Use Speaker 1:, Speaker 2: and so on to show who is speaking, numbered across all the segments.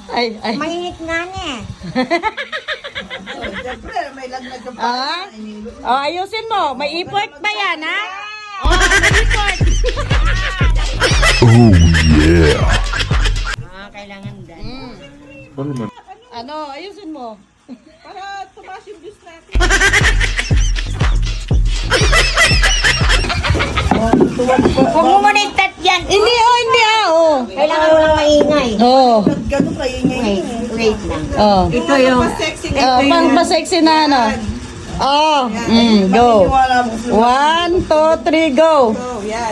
Speaker 1: Ay.
Speaker 2: Mainit nga niya.
Speaker 3: Siyempre, may lagnat yung
Speaker 1: Ah? Oh, ayusin mo. May effort pa yan, ha? Oh, may effort.
Speaker 4: Oh yeah.
Speaker 2: Kailangan dyan.
Speaker 1: Ano, ayusin mo.
Speaker 3: Para tumaas yung views natin.
Speaker 2: Huwag mo muna itat yan.
Speaker 1: Hindi,
Speaker 2: Kailangan mo lang maingay.
Speaker 1: Oh.
Speaker 3: Ganun kayo
Speaker 2: Wait, wait lang.
Speaker 1: Oh.
Speaker 2: Ito yung...
Speaker 3: sexy
Speaker 1: Pang pa-sexy na ano. Oh, go. 1, 2, 3, go.
Speaker 3: Oh, yan.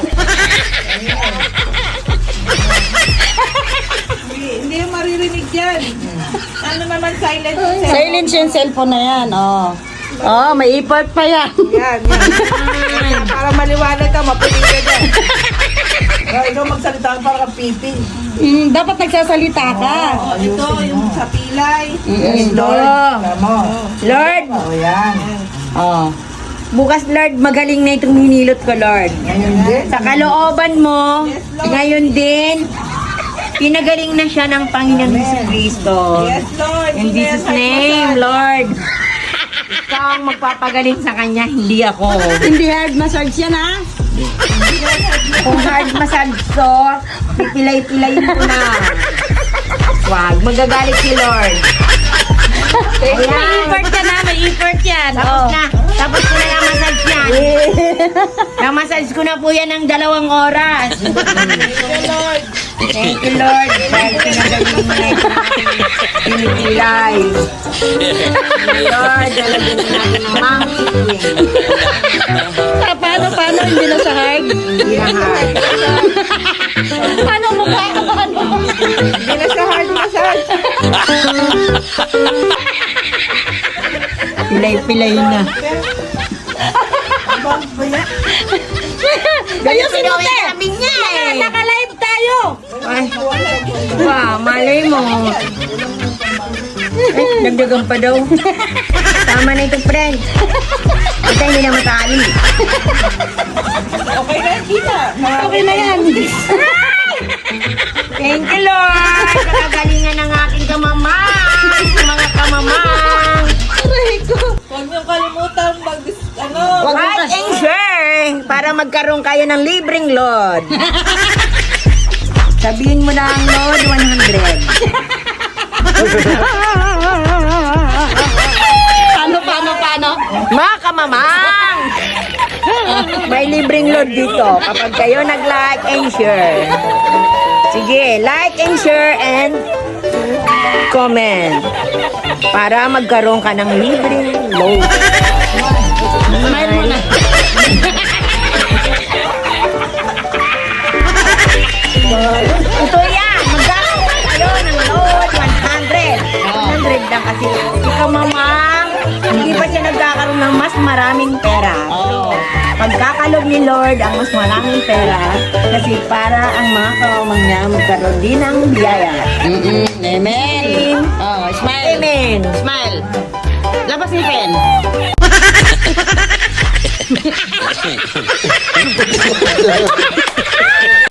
Speaker 3: Hindi yung maririnig yan. Ano naman, silent yung cellphone.
Speaker 1: Silence yung cellphone na yan, oh. Oh, may effort pa yan.
Speaker 3: Yan. Para maliwanag ka, mapuling ka dyan. Ikaw magsalita para kang pipi.
Speaker 1: Dapat nagsasalita ka.
Speaker 3: Ito, yung sa pilay.
Speaker 1: Yes,
Speaker 3: Lord. Tama.
Speaker 2: Lord,
Speaker 3: Oh, yan.
Speaker 1: Oh.
Speaker 2: bukas Lord, magaling na itong hinilot ko Lord.
Speaker 3: Ngayon din.
Speaker 2: Sa kalooban mo,
Speaker 3: Yes, Lord.
Speaker 2: ngayon din, pinagaling na siya ng Panginoon Jesucristo.
Speaker 3: Yes, Lord.
Speaker 2: In
Speaker 3: Hindi na
Speaker 2: Jesus'
Speaker 3: yan
Speaker 2: name,
Speaker 3: massage.
Speaker 2: Lord. Ikaw ang magpapagaling sa kanya, hindi ako.
Speaker 1: Hindi hard massage yan, ha?
Speaker 2: Kung hard massage to, pipilay-pilayin ko na. Wag, magagalit si Lord.
Speaker 1: May
Speaker 2: Ayan.
Speaker 1: effort ka na, may effort yan.
Speaker 2: Tapos
Speaker 1: Oh.
Speaker 2: na, tapos ko na na-massage yan. Na-massage ko na po yan ng 2 oras. Thank you, Lord. Dahil pinagaling mo na ito pinipilay. Lord, dalagin mo natin ng monkey.
Speaker 1: Paano? Hindi na sa hard?
Speaker 2: Hindi na hard.
Speaker 1: Paano mo ba? Paano?
Speaker 3: Hindi na siya hard massage.
Speaker 2: Pilay-pilay na.
Speaker 1: Ayusin mo, te!
Speaker 2: Sabi niya eh.
Speaker 1: Naka-live tayo!
Speaker 2: Ay, wow, malay mo. Dagdagan pa daw. Tama na ito, friend. Ito hindi na matali.
Speaker 3: Okay na, kita.
Speaker 1: Okay na yan.
Speaker 2: Thank you, Lord. Nakagalingan ng aking kamamang. Mga kamamang.
Speaker 1: Aray ko.
Speaker 3: Huwag niyong kalimutan
Speaker 2: Like and share para magkaroon kayo ng libreng load. Sabihin mo na ang load 100.
Speaker 1: Paano?
Speaker 2: Mga kamamang! May libreng load dito kapag kayo nag-like and share. Sige, like and share and comment para magkaroon ka ng libreng load.
Speaker 1: Smile mo na.
Speaker 2: Ito yan! Magkakaroon kayo ng load 100. 100 lang kasi ikaw mamang, hindi pa siya nagkakaroon ng mas maraming pera. Pagkakalob ni Lord ang mas maraming pera kasi para ang mga kawamang niya magkaroon din ng biyaya.
Speaker 1: Amen. Oh, smile.
Speaker 2: Amen!
Speaker 1: Smile. Labas ni Pen.